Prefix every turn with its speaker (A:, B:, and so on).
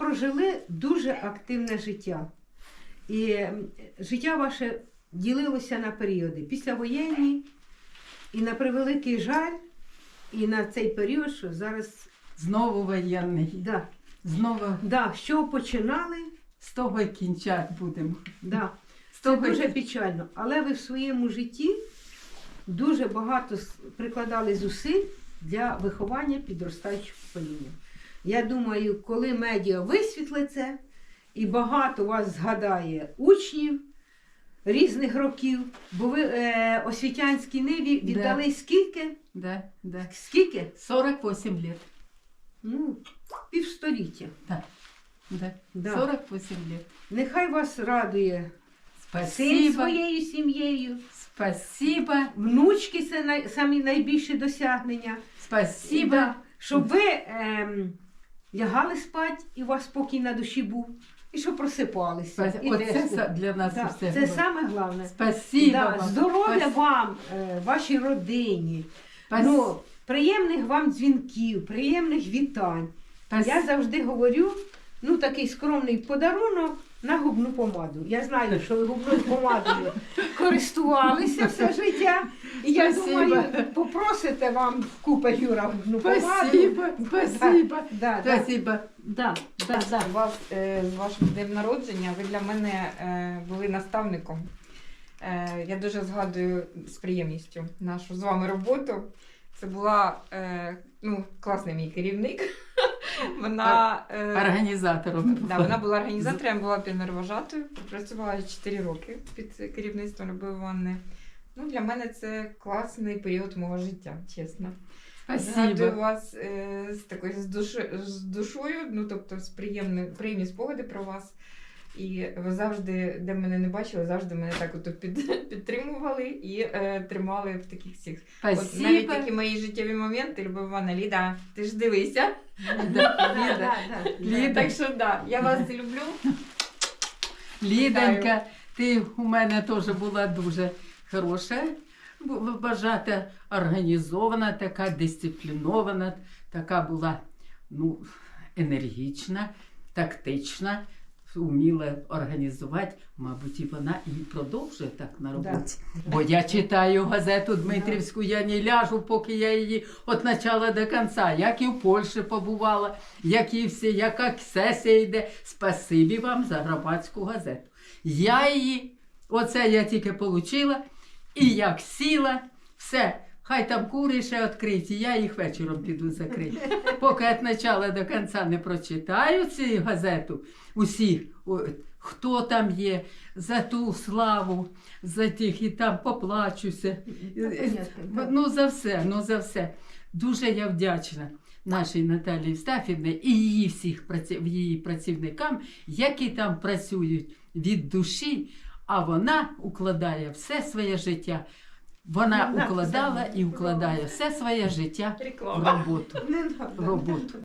A: прожили дуже активне життя. І життя ваше ділилося на періоди. Післявоєнні, і на превеликий жаль, і на цей період, що зараз...
B: Знову воєнний.
A: Да.
B: Знову
A: Да, що починали,
B: з того й кінчати будемо.
A: да.
B: З
A: Це
B: того й-
A: дуже печально. Але ви в своєму житті дуже багато прикладали зусиль для виховання підростаючого покоління. Я думаю, коли медіа висвітлить це, і багато вас згадає учнів різних років, бо ви освітянській ниві віддали скільки?
B: Да, да.
A: Скільки?
B: 48 лет.
A: Ну, півстоліття.
B: Да. Да.
A: Да.
B: 48 лет.
A: Нехай вас радує син
B: Спасибо.
A: своєю сім'єю,
B: Спасибо.
A: внучки це самі найбільші досягнення.
B: Спасибо.
A: Да. Щоб ви лягали спати і у вас спокій на душі був, і щоб просипалися. І
B: Оце
A: десь.
B: для нас
A: Да,
B: все.
A: це саме головне.
B: Спасибо
A: Да,
B: вам.
A: здоров'я
B: Спас-
A: вам, вашій родині.
B: Спас-
A: Ну, приємних вам дзвінків, приємних вітань.
B: спас-
A: Я завжди говорю, ну такий скромний подарунок на губну помаду. Я знаю, що ви губною помадою користувалися все життя. І я
B: Спасибо.
A: думаю, попросите вам в купе Юра губну помаду.
B: Спасибо. Спасибо.
A: Да, да,
B: Спасибо.
A: да, да, да.
C: У вас з вашим днем народження ви для мене були наставником. Я дуже згадую з приємністю нашу з вами роботу. Це була класний мій керівник. Вона,
B: Організатором.
C: да, вона була організатором, я була піонервожатою, працювала 4 роки під керівництвом Любові Іванни. Ну, для мене це класний період мого життя, чесно. Згадую
B: Спасибо.
C: вас з душою, ну тобто з приємні спогади про вас. І ви завжди, де мене не бачили, завжди мене так от підтримували і тримали в таких всіх. От навіть
B: Спасибо.
C: такі мої життєві моменти, Любов Івановна, Ліда, ти ж дивися.
A: Да, да.
B: Ліда.
C: Так що да, я вас люблю.
B: Лідонька, ти у мене теж була дуже хороша, вважата, організована, така дисциплінована, така була енергічна, тактична, вміла організувати. Мабуть, і вона і продовжує так на роботі. Бо я читаю газету Дмитрівську, я не ляжу, поки я її від початку до кінця. Як і в Польщі побувала, як і всі, яка сесія йде. Спасибі вам за громадську газету. Я її, оце я тільки отримала, і як сіла, все. Хай там кури ще відкриті, я їх вечором піду закрити. Поки від початку до кінця не прочитаю цю газету, усіх, хто там є, за ту славу, за тих, і там поплачуся. За все. Дуже я вдячна нашій Наталії Євстафівні і її працівникам, які там працюють від душі, а вона укладає все своє життя. Вона укладала і укладає все своє життя в
C: Реклама.
B: роботу.
A: Не надо.
B: Роботу.